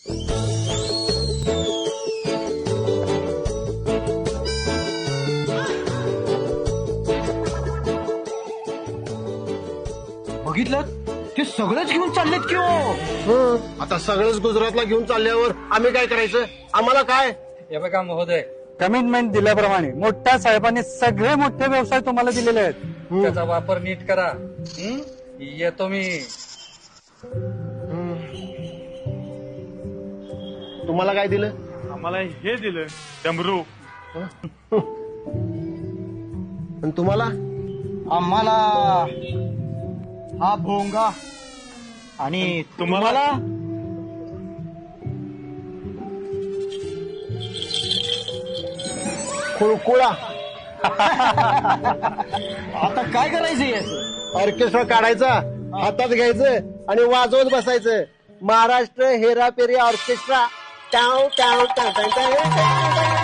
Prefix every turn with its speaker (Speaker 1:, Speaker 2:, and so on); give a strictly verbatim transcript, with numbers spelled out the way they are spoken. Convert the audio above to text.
Speaker 1: बघितलं ते सगळंच घेऊन चाललेत की हो.
Speaker 2: आता सगळंच गुजरातला घेऊन चालल्यावर आम्ही काय करायचं? आम्हाला काय?
Speaker 3: हे बघा महोदय,
Speaker 4: कमिटमेंट दिल्याप्रमाणे मोठ्या साहेबांनी सगळे मोठे व्यवसाय तुम्हाला दिलेले आहेत.
Speaker 3: त्याचा वापर नीट करा. हं? येतो मी.
Speaker 2: तुम्हाला काय दिलं?
Speaker 5: आम्हाला हे दिलं डमरू.
Speaker 2: आणि तुम्हाला?
Speaker 1: आम्हाला हा भोंगा आणि तुम्हाला
Speaker 2: खुळकुळा.
Speaker 1: आता काय करायचं याचं?
Speaker 2: ऑर्केस्ट्रा काढायचा, हातात घ्यायचं आणि वाजवत बसायचं. महाराष्ट्र हेरापेरी ऑर्केस्ट्रा. टाव टाव टाव टाव टाव.